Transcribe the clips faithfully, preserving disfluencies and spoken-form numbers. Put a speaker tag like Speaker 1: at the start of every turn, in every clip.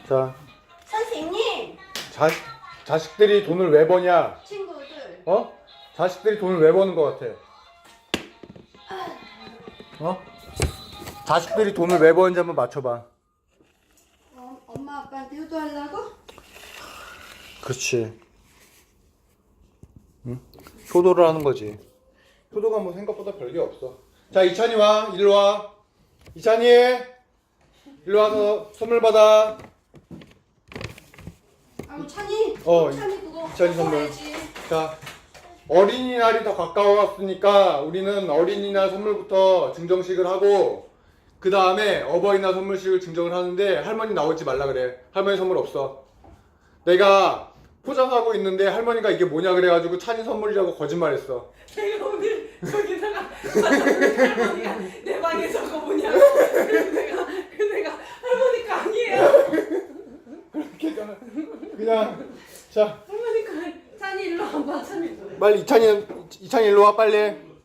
Speaker 1: 자,
Speaker 2: 선생님.
Speaker 1: 자, 자식들이 돈을 왜 버냐?
Speaker 2: 친구들.
Speaker 1: 어? 자식들이 돈을 왜 버는 것 같아? 어? 자식들이 돈을 왜 버는지 한번 맞춰봐.
Speaker 2: 어, 엄마 아빠한테 효도하려고?
Speaker 1: 그렇지. 응? 효도를 하는 거지. 효도가 뭐 생각보다 별게 없어. 자, 이찬이 와. 일로 와. 이찬이. 일로 와서 선물 받아.
Speaker 2: 아유 찬이.
Speaker 1: 어,
Speaker 2: 찬이 그거.
Speaker 1: 이찬이 선물.
Speaker 2: 먹어야지.
Speaker 1: 자, 어린이날이 더 가까워왔으니까 우리는 어린이날 선물부터 증정식을 하고 그 다음에 어버이날 선물식을 증정을 하는데 할머니 나오지 말라 그래. 할머니 선물 없어. 내가 포장하고 있는데 할머니가 이게 뭐냐 그래가지고 찬이 선물이라고 거짓말했어.
Speaker 3: 내가 오늘 저기다가 할머니가 내 방에 저거 뭐냐고 그래서 내가 그래서 내가 할머니가 아니에요.
Speaker 1: 그렇게 그냥, 그냥 자
Speaker 3: 할머니가 아니- 찬이 일로 와봐. 찬이 일로 와.
Speaker 1: 빨리 이찬이 이찬이 일로 와 빨리.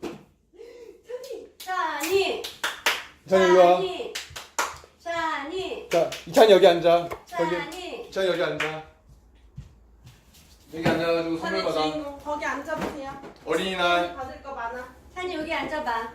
Speaker 2: 찬이.
Speaker 1: 이찬이 일로 와.
Speaker 2: 찬이. 찬이.
Speaker 1: 자 이찬이 여기 앉아. 여기
Speaker 2: 찬이.
Speaker 1: 이찬이 여기 앉아. 여기 앉아가지고 선물
Speaker 3: 찬이
Speaker 1: 받아.
Speaker 3: 주인공 거기 앉아보세요.
Speaker 1: 어린이날.
Speaker 3: 받을 거 많아.
Speaker 2: 찬이 여기 앉아봐.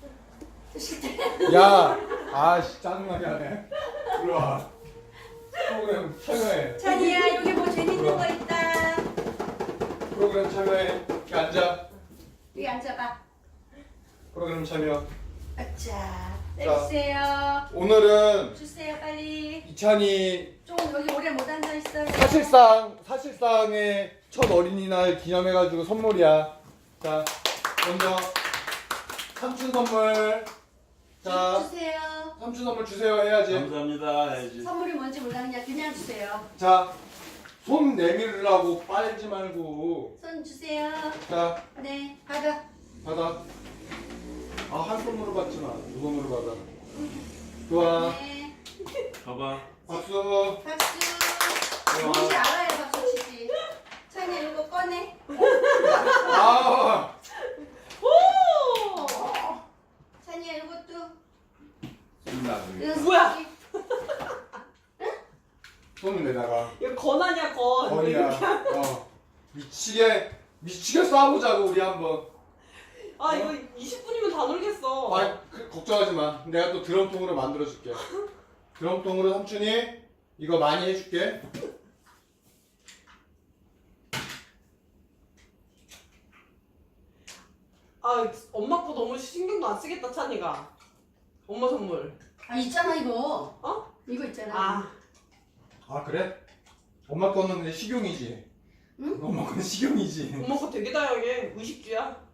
Speaker 1: 야, 아씨 짜증나게 하네. 일로 와. 프로그램 참여해.
Speaker 2: 찬이야 여기 뭐 재밌는 거 있다.
Speaker 1: 프로그램 참여해. 여기 앉아.
Speaker 2: 여기 앉아봐.
Speaker 1: 프로그램 참여.
Speaker 2: 아차. 내주세요.
Speaker 1: 오늘은
Speaker 2: 주세요 빨리.
Speaker 1: 이찬이
Speaker 2: 좀 여기 오래 못 앉아 있어요.
Speaker 1: 사실상 사실상의 첫 어린이날 기념해가지고 선물이야. 자, 먼저 삼촌 선물. 자,
Speaker 2: 주세요.
Speaker 1: 삼촌 선물 주세요 해야지.
Speaker 4: 감사합니다 해야지.
Speaker 2: 선물이 뭔지 몰라 그냥 그냥 주세요.
Speaker 1: 자, 손 내밀으라고 빨지 말고.
Speaker 2: 손 주세요.
Speaker 1: 자,
Speaker 2: 네 받아.
Speaker 1: 받아. 아, 한 손으로 받지 마. 두 손으로 받아. 좋아.
Speaker 2: 네.
Speaker 4: 가봐.
Speaker 1: 박수.
Speaker 2: 박수. 뭔지 알아야 박수 치지. 찬이 이거 꺼내.
Speaker 1: 아,
Speaker 3: 오!
Speaker 2: 찬이야 이것도.
Speaker 4: 쓴다.
Speaker 2: 이거
Speaker 3: 뭐야?
Speaker 2: 쓰기.
Speaker 1: 손을 내다가.
Speaker 3: 이거 건하냐 건.
Speaker 1: 거리야. 어. 미치게 미치게 싸우자고 우리 한번.
Speaker 3: 아 이거 이십 분이면 다 놀겠어.
Speaker 1: 아, 그, 걱정하지 마. 내가 또 드럼통으로 만들어 줄게. 드럼통으로 삼촌이 이거 많이 해줄게.
Speaker 3: 아 엄마 거 너무 신경도 안 쓰겠다 찬이가. 엄마 선물.
Speaker 2: 아 있잖아 이거.
Speaker 3: 어?
Speaker 2: 이거 있잖아.
Speaker 3: 아
Speaker 1: 아 그래? 엄마 거는 근데 식용이지.
Speaker 2: 응?
Speaker 1: 엄마 거는 식용이지.
Speaker 3: 엄마 거 되게 다양해. 의식주야.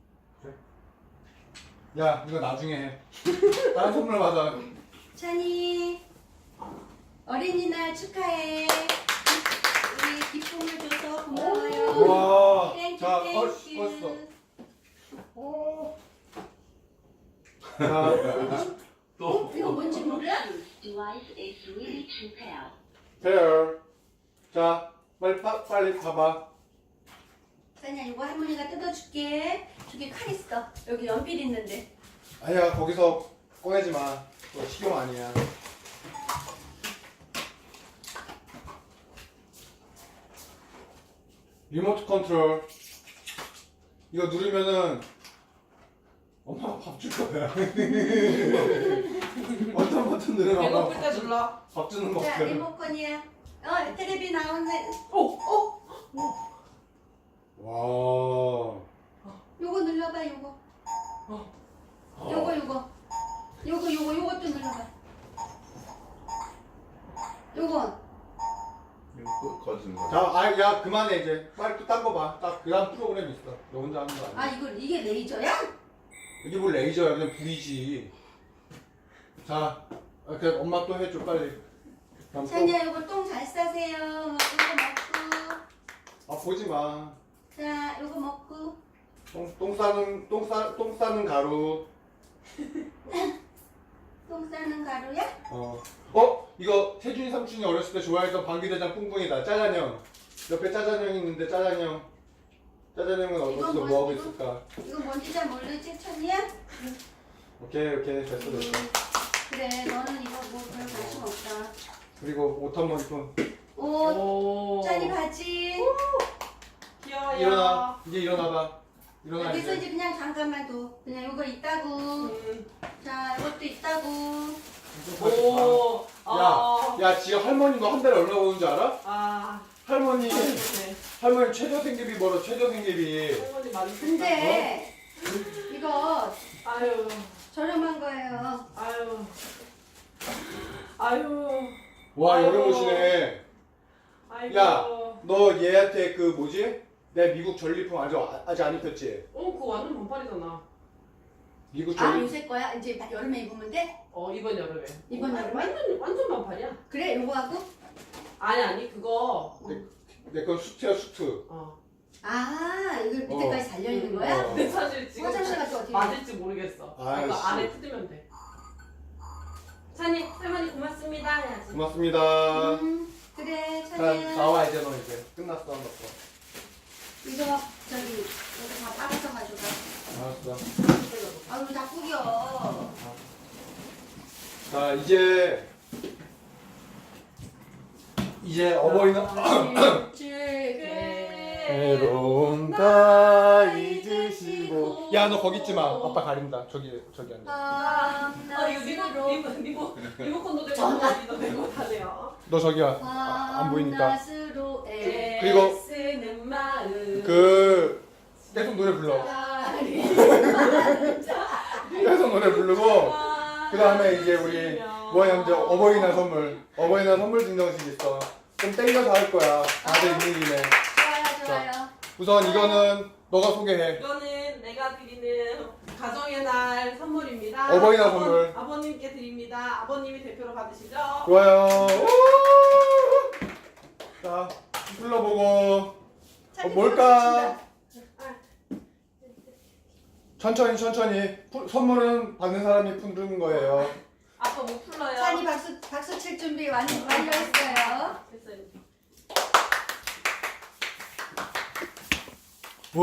Speaker 1: 야, 이거 나중에 해. 다른 선물 받아.
Speaker 2: 찬이 어린이날 축하해. 우리 기쁨을 줘서 고마워요.
Speaker 1: 와.
Speaker 2: 땡큐
Speaker 1: 자,
Speaker 2: 땡큐.
Speaker 1: 벌써 벌써. 오. 자,
Speaker 2: 어? 이거 뭔지 몰라?
Speaker 5: Device is ready to pair.
Speaker 1: 페어. 자, 빨리 파, 빨리 봐봐.
Speaker 2: 찬이야 이거 할머니가 뜯어줄게. 저기 칼 있어. 여기 연필 있는데.
Speaker 1: 아니야, 거기서 꺼내지 마. 그거 식용 아니야. 리모트 컨트롤. 이거 누르면은 엄마가 밥 줄 거야. 어떤 버튼 누르면
Speaker 3: 배고플
Speaker 1: 엄마가
Speaker 3: 때 눌러.
Speaker 1: 밥 주는
Speaker 2: 자
Speaker 1: 버튼.
Speaker 2: 리모컨이야. 어 테레비 나오네.
Speaker 3: 오! 오!
Speaker 1: 와.
Speaker 2: 요거 눌러봐 요거. 요거 요거. 요거 요거 요것도 눌러봐. 요거.
Speaker 4: 이거 거짓 거.
Speaker 1: 자, 아, 야, 그만해 이제. 빨리 또 딴 거 봐. 딱 그다음 프로그램 있어. 너 혼자 하는 거 아니야.
Speaker 2: 아 이거 이게 레이저야?
Speaker 1: 이게 뭘 레이저야? 그냥 불이지. 자, 이렇게 엄마 또 해줘 빨리. 다음 또.
Speaker 2: 찬이야 요거 똥 잘 싸세요. 이거 먹고.
Speaker 1: 아, 보지 마.
Speaker 2: 자 요거 먹고.
Speaker 1: 똥, 똥 싸는 똥 싸, 똥 싸는 가루.
Speaker 2: 똥 싸는 가루야?
Speaker 1: 어. 어? 이거 태준이 삼촌이 어렸을 때 좋아했던 방귀대장 뿡뿡이다. 짜잔형. 옆에 짜잔형이 있는데 짜잔형. 짜잔형은
Speaker 2: 이건
Speaker 1: 어디서
Speaker 2: 뭐-
Speaker 1: 뭐 하고
Speaker 2: 이거?
Speaker 1: 있을까?
Speaker 2: 이거 뭔지 잘 모르지 찬이야?
Speaker 1: 오케이 오케이 됐어 됐어.
Speaker 2: 그래 너는 이거 뭐 별 관심 없다.
Speaker 1: 그리고 옷 한 번 입고
Speaker 2: 옷,
Speaker 3: 오.
Speaker 2: 짠이 바지.
Speaker 3: 귀여워요.
Speaker 1: 일어나. 이제 일어나봐. 일어나
Speaker 2: 그래서
Speaker 1: 이제.
Speaker 2: 이제 그냥 잠깐만 둬. 그냥 이거 있다고.
Speaker 3: 음.
Speaker 2: 자, 이것도 있다고.
Speaker 3: 오. 아.
Speaker 1: 야, 야 지금 할머니 너 한 달에 얼마 버는 줄 알아?
Speaker 3: 아.
Speaker 1: 할머니
Speaker 3: 네.
Speaker 1: 할머니 최저 생계비 벌어 최저 생계비.
Speaker 3: 할머니 많이
Speaker 2: 근데 이거
Speaker 3: 아유.
Speaker 2: 저렴한 거예요.
Speaker 3: 아유. 아유.
Speaker 1: 와
Speaker 3: 아유.
Speaker 1: 여름 옷이네.
Speaker 3: 아이고.
Speaker 1: 야, 너 얘한테 그 뭐지? 내가 미국 전리품 아직 아직 안 입혔지?
Speaker 3: 어, 그거 완전 반팔이잖아.
Speaker 1: 미국
Speaker 2: 아,
Speaker 1: 전리
Speaker 2: 요새 거야? 이제 여름에 입으면 돼?
Speaker 3: 어, 이번 여름에.
Speaker 2: 이번
Speaker 3: 어,
Speaker 2: 여름에?
Speaker 3: 완전 완전 반팔이야.
Speaker 2: 그래, 요거 하고?
Speaker 3: 아니 아니 그거.
Speaker 1: 내 건 수트야 수트.
Speaker 3: 어.
Speaker 2: 아, 이걸 밑에까지
Speaker 1: 어.
Speaker 2: 달려 있는
Speaker 3: 음.
Speaker 2: 거야?
Speaker 1: 어.
Speaker 3: 근데 사실 지금
Speaker 2: 화장실 갔다 어떻게 해?
Speaker 3: 맞을지 모르겠어.
Speaker 1: 아이씨.
Speaker 3: 이거 안에 뜯으면 돼. 찬이 할머니 고맙습니다 해야지.
Speaker 1: 고맙습니다.
Speaker 2: 음, 그래,
Speaker 1: 자,
Speaker 2: 찬이야.
Speaker 1: 나와 이제 너 이제 끝났어 한 번.
Speaker 2: 이거 저기 여기 다 빠져서 가져가.
Speaker 1: 알았어.
Speaker 2: 아, 우리 다 구겨.
Speaker 1: 자 이제 이제 어버이날
Speaker 2: 아,
Speaker 1: 외로움 다 잊으시고. 야 너 거기 있지 마. 아빠 가린다. 저기 저기 앉아.
Speaker 3: 아 이거 리모 리모 리모 리모컨도 되고 어디도 되고 다 돼요.
Speaker 1: 너 저기 와. 아, 안 보이니까.
Speaker 2: 밤낮으로 애.
Speaker 1: 그리고
Speaker 3: 쓰는 마음.
Speaker 1: 그 계속 노래 불러. 계속 노래 부르고. 그 다음에 이제 우리 뭐야 이제 어버이날 선물 어버이날 선물 증정식 있어. 좀 땡겨서 할 거야. 다들 있는 김에.
Speaker 2: 좋아요, 좋아요.
Speaker 1: 우선 이거는 너가 소개해.
Speaker 3: 이거는 내가 드리는 가정의 날 선물입니다.
Speaker 1: 어버이날
Speaker 3: 아버-
Speaker 1: 선물.
Speaker 3: 아버님께 드립니다. 아버님이 대표로 받으시죠.
Speaker 1: 좋아요. 우! 자 불러보고. 어, 뭘까? 천천히 천천히. 푸- 선물은 받는 사람이 푸는 거예요.
Speaker 3: 아빠 못 풀러요.
Speaker 2: 찬이 박수 박수 칠 준비 완 완료했어요.
Speaker 3: 됐어요.
Speaker 1: 오!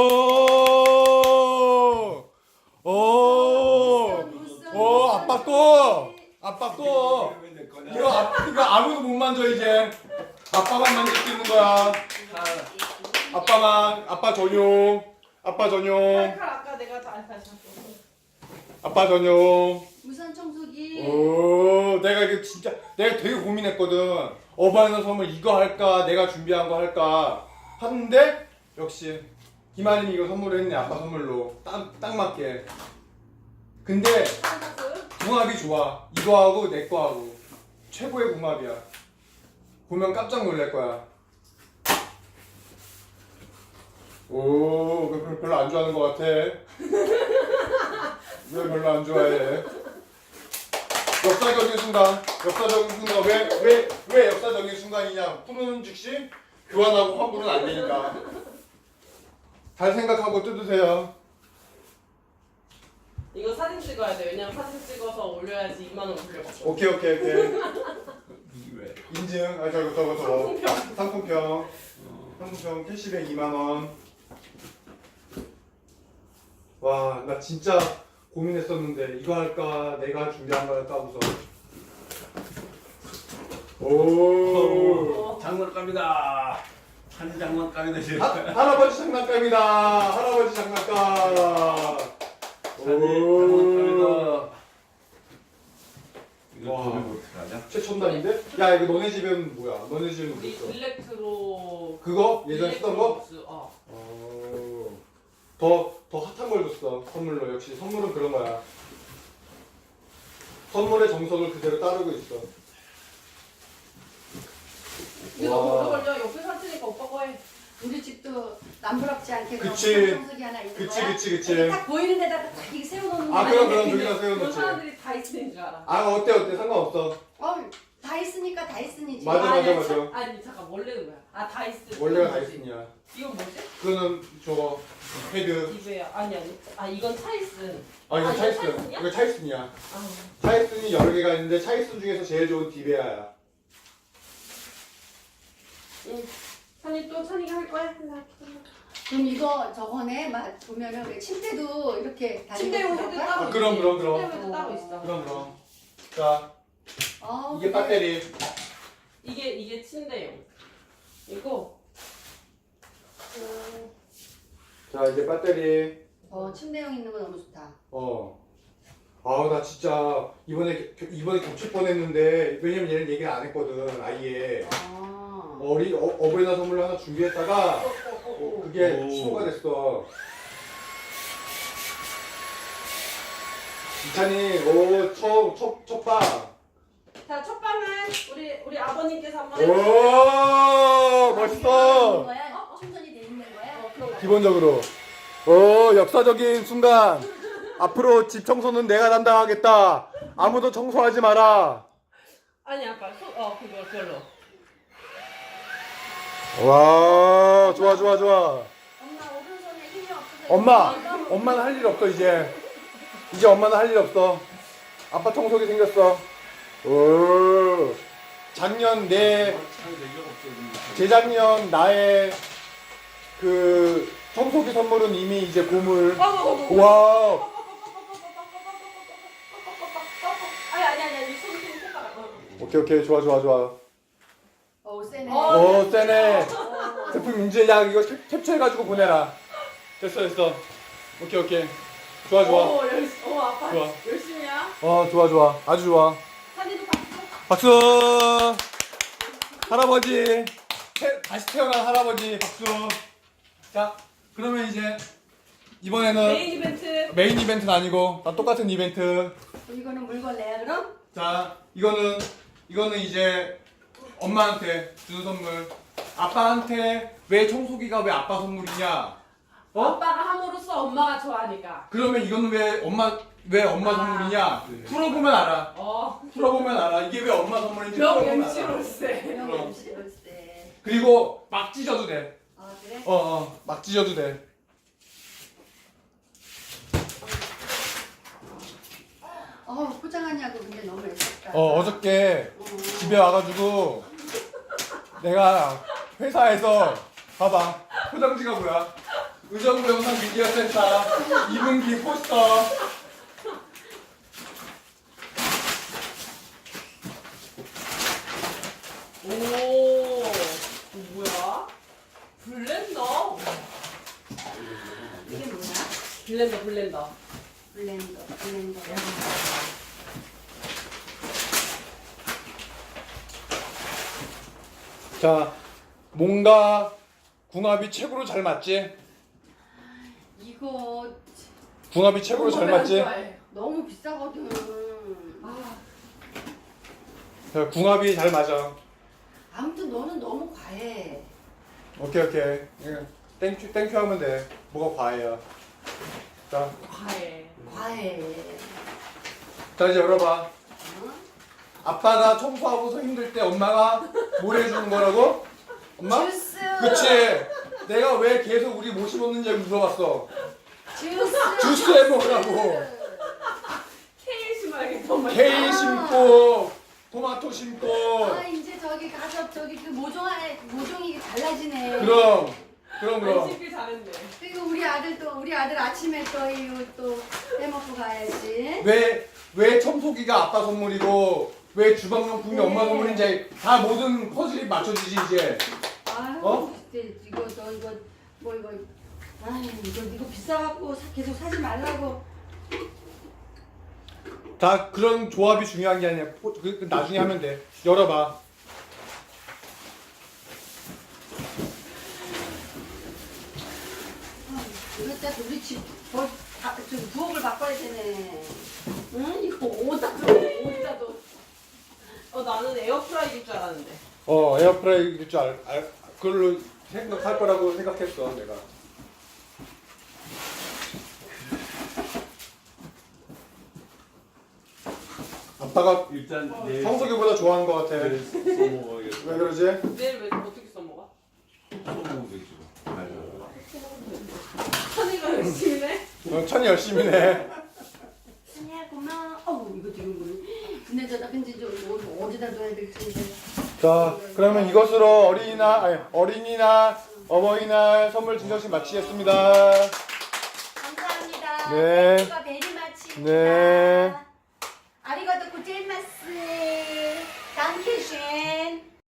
Speaker 1: 오! 오, 아빠 거! 아빠 거! 이거, 아, 이거 아무도 못 만져, 이제. 아빠만 만질 수 있는 거야. 아빠만, 아빠 전용. 아빠 전용.
Speaker 3: 칼 아까 내가 다 다시 할게.
Speaker 1: 아빠 전용.
Speaker 2: 무선 청소기.
Speaker 1: 오, 내가 이거 진짜, 내가 되게 고민했거든. 어바이너 선물 이거 할까, 내가 준비한 거 할까. 하는데, 역시, 김아림이 이거 선물을 했네, 아빠 선물로. 딱, 딱 맞게. 근데, 궁합이 좋아. 이거 하고, 내 거 하고. 최고의 궁합이야. 보면 깜짝 놀랄 거야. 오, 그 별로 안 좋아하는 거 같아. 왜 별로 안 좋아해? 역사적인 순간, 역사적인 순간, 왜, 왜, 왜 역사적인 순간이냐? 푸는 즉시 교환하고 환불은 안 되니까. 잘 생각하고 뜯으세요.
Speaker 3: 이거 사진 찍어야 돼. 왜냐면 사진 찍어서 올려야지 이만 원 돌려받죠.
Speaker 1: 오케이, 오케이, 오케이.
Speaker 4: 이게 왜?
Speaker 1: 인증, 아, 저거, 저거, 저거.
Speaker 3: 상품평.
Speaker 1: 상품평. 상품평 캐시백 이만 원. 와, 나 진짜 고민했었는데, 이거 할까, 내가 준비한 거 할까, 우선. 오.
Speaker 4: 장난감이다. 한 장난감이다 지금.
Speaker 1: 하, 할아버지 장난감이다. 할아버지 장난감. 오.
Speaker 4: 장난감이다. 이거
Speaker 1: 와.
Speaker 4: 도면 어떡하냐?
Speaker 1: 최첨단인데? 야, 이거 너네 집은 뭐야? 너네 집은 뭐
Speaker 3: 우리
Speaker 1: 있어?
Speaker 3: 일렉트로
Speaker 1: 그거? 예전에 쓰던 거?
Speaker 3: 일렉트로닉스, 어.
Speaker 1: 어. 더, 더 핫한 걸 줬어. 선물로. 역시 선물은 그런 거야. 선물의 정석을 그대로 따르고 있어.
Speaker 3: 이거
Speaker 1: 와.
Speaker 3: 오래 걸려. 옆에 사진이니까 오빠 거 해.
Speaker 2: 우리 집도 남부럽지 않게 그런
Speaker 1: 그치.
Speaker 2: 무선 청소기 하나 있는
Speaker 1: 그치,
Speaker 2: 거야.
Speaker 1: 그치, 그치.
Speaker 2: 이렇게 딱 보이는 데다가 딱 이렇게 세워놓는
Speaker 1: 아,
Speaker 2: 거야.
Speaker 1: 그럼, 그럼,
Speaker 3: 근데
Speaker 1: 저기다 세워놓지.
Speaker 3: 그런 사람들이 다 있는 줄 알아.
Speaker 1: 아, 어때, 어때? 상관없어.
Speaker 2: 어, 다 있으니까 다 있으니지.
Speaker 1: 맞아,
Speaker 3: 아니,
Speaker 1: 맞아,
Speaker 3: 아니,
Speaker 1: 맞아.
Speaker 3: 참- 아니 잠깐 원래는 뭐야? 아 다이슨.
Speaker 1: 원래가 다이슨이야.
Speaker 3: 이건 뭐지?
Speaker 1: 그거는 저거, 헤드.
Speaker 3: 이베야. 아니 아니. 아 이건 차이슨.
Speaker 1: 아, 이거
Speaker 3: 아, 이거
Speaker 1: 차이슨.
Speaker 3: 차이슨이야?
Speaker 1: 이거 차이슨이야.
Speaker 3: 아.
Speaker 1: 차이슨이 여러 개가 있는데, 차이슨 중에서 제일 좋은 디베아야.
Speaker 3: 응. 찬이 또 찬이가 할 거야?
Speaker 2: 그럼 이거 저번에 막 보면은 왜 침대도 이렇게
Speaker 3: 침대용 헤드 따로
Speaker 1: 아, 그럼,
Speaker 3: 있지.
Speaker 1: 그럼, 그럼.
Speaker 3: 침대용 헤드 따로 있어.
Speaker 1: 그럼, 그럼. 자,
Speaker 2: 어,
Speaker 1: 이게
Speaker 2: 그래.
Speaker 1: 배터리.
Speaker 3: 이게 이게 침대용. 이거. 어,
Speaker 1: 자 이제 배터리.
Speaker 2: 어 침대용 있는 거 너무 좋다.
Speaker 1: 어. 아우 나 진짜 이번에 겨- 이번에 겹칠 뻔했는데 왜냐면 얘는 얘기를 안 했거든 아예.
Speaker 2: 아.
Speaker 1: 어리 어, 어버이날 선물로 하나 준비했다가
Speaker 3: 어, 어, 어.
Speaker 1: 그게
Speaker 4: 오.
Speaker 1: 취소가 됐어. 이찬이 오첫첫 방.
Speaker 3: 자, 첫 방은 우리 우리 아버님께서 한번
Speaker 1: 오
Speaker 2: 있는
Speaker 1: 멋있어.
Speaker 2: 거야? 충전이 돼 있는 거야?
Speaker 3: 어, 그런 거.
Speaker 1: 기본적으로. 오 역사적인 순간. 앞으로 집 청소는 내가 담당하겠다. 아무도 청소하지 마라.
Speaker 3: 아니 아빠 소, 어 그거 그걸로.
Speaker 1: 와 좋아 좋아 좋아.
Speaker 2: 엄마 오른손에 힘이 없어서.
Speaker 1: 엄마
Speaker 2: 이거
Speaker 1: 엄마는 할 일 없어 이제. 이제 엄마는 할 일 없어. 아빠 청소기 생겼어. 오 작년 내
Speaker 4: 참 되게 없어.
Speaker 1: 재작년 나의 그 청소기 선물은 이미 이제 고물.
Speaker 3: 어, 어, 어, 어.
Speaker 1: 와
Speaker 3: 아니 아니 아니 아니 손 손, 손가락. 어.
Speaker 1: 오케이 오케이 좋아 좋아 좋아.
Speaker 2: 어 세네.
Speaker 3: 어.
Speaker 1: 오 세네. 제품 이제 야 이거 캡- 캡처해가지고 보내라. 됐어 됐어. 오케이 오케이. 좋아 좋아.
Speaker 3: 어, 열심, 어 아빠
Speaker 1: 좋아.
Speaker 3: 열심히야.
Speaker 1: 어 좋아 좋아. 아주 좋아.
Speaker 3: 사진도 박수.
Speaker 1: 박수. 할아버지. 태, 다시 태어난 할아버지 박수. 자 그러면 이제 이번에는
Speaker 3: 메인 이벤트.
Speaker 1: 메인 이벤트는 아니고 다 똑같은 이벤트.
Speaker 2: 이거는 물걸레야 그럼?
Speaker 1: 자 이거는 이거는 이제 엄마한테 주는 선물. 아빠한테 왜 청소기가 왜 아빠 선물이냐? 어?
Speaker 3: 아빠가 함으로써 엄마가 좋아하니까.
Speaker 1: 그러면 이거는 왜 엄마 왜 엄마
Speaker 3: 아.
Speaker 1: 선물이냐? 풀어보면 알아.
Speaker 3: 어.
Speaker 1: 풀어보면 알아. 이게 왜 엄마 선물인지 풀어보면 알아.
Speaker 3: 명엠씨로세.
Speaker 1: 그럼.
Speaker 2: 그럼 시로세.
Speaker 1: 그리고 막 찢어도 돼.
Speaker 2: 아 그래?
Speaker 1: 어, 어, 막 찢어도 돼.
Speaker 2: 어 포장하냐고 근데 너무 애썼다.
Speaker 1: 어, 어저께
Speaker 2: 어.
Speaker 1: 집에 와가지고 내가 회사에서 봐봐. 포장지가 뭐야? 의정부 영상 미디어 센터 이분기 포스터.
Speaker 3: 오. 뭐야? 블렌더.
Speaker 2: 이게 뭐야?
Speaker 3: 블렌더 블렌더.
Speaker 2: 블렌더 블렌더.
Speaker 1: 자, 뭔가 궁합이 최고로 잘 맞지?
Speaker 2: 이거
Speaker 1: 궁합이 최고로 잘 맞지?
Speaker 2: 너무 비싸거든.
Speaker 3: 아,
Speaker 1: 자, 궁합이 잘 맞아.
Speaker 2: 아무튼 너는 너무 과해.
Speaker 1: 오케이 오케이. 예. 땡큐 땡큐 하면 돼. 뭐가 과해야. 자,
Speaker 3: 과해.
Speaker 2: 과해.
Speaker 1: 자 이제 열어봐.
Speaker 2: 어?
Speaker 1: 아빠가 청소하고서 힘들 때 엄마가 뭘 해주는 거라고? 엄마?
Speaker 2: 주스.
Speaker 1: 그치. 내가 왜 계속 우리 뭐 심었는지 물어봤어.
Speaker 2: 주스.
Speaker 1: 주스 해 먹으라고.
Speaker 3: 케일 심어야겠다. 엄마.
Speaker 1: 케일 심고 토마토 심고.
Speaker 2: 아 이제 저기 가서 저기 그 모종아 모종이 달라지네.
Speaker 1: 그럼 그럼
Speaker 3: 안
Speaker 1: 그럼.
Speaker 3: 씻길 잘했네.
Speaker 2: 그리고 우리 아들 또 우리 아들 아침에 또 이거 또 해먹고 가야지.
Speaker 1: 왜 왜 청소기가 아빠 선물이고 왜 주방용품이
Speaker 2: 네.
Speaker 1: 엄마 선물인지 다 모든 퍼즐이 맞춰지지 이제.
Speaker 2: 아유,
Speaker 1: 어?
Speaker 2: 이제 이거 저 이거 뭐 이거 아유 이거 이거 비싸갖고 사- 계속 사지 말라고.
Speaker 1: 다 그런 조합이 중요한 게 아니야. 포- 그, 그 나중에 하면 돼. 열어봐.
Speaker 2: 이거 진짜 우리 집뭐 부엌을 바꿔야 되네. 응 이거 오다 오다도.
Speaker 3: 어 나는 에어프라이기일 줄 알았는데.
Speaker 1: 어 에어프라이기일 줄 알, 알, 그걸로 생각할 거라고 생각했어 내가. 아빠가
Speaker 4: 일단
Speaker 3: 어,
Speaker 4: 내일
Speaker 1: 청소기보다 좋아하는 것 같아.
Speaker 4: 내일 써먹어야겠다.
Speaker 1: 왜 그러지?
Speaker 3: 내일 왜 어떻게 써먹어?
Speaker 4: 써먹으면 되지. 아유.
Speaker 3: 선이가 열심히 해.
Speaker 1: 어, 천이 열심히 해.
Speaker 2: 아니야 고마워. 어우 이거 지금 뭐 근데 저나 근데 저 뭐, 어디다 둬야 될지 이제.
Speaker 1: 자 그러면 이것으로 어린이날 아니, 어린이날 어버이날 선물 증정식 마치겠습니다.
Speaker 2: 감사합니다.
Speaker 1: 네.
Speaker 2: 땡큐가 베리마치입니다.
Speaker 1: 네.
Speaker 2: 아리가또 고제이마스. dankeschön.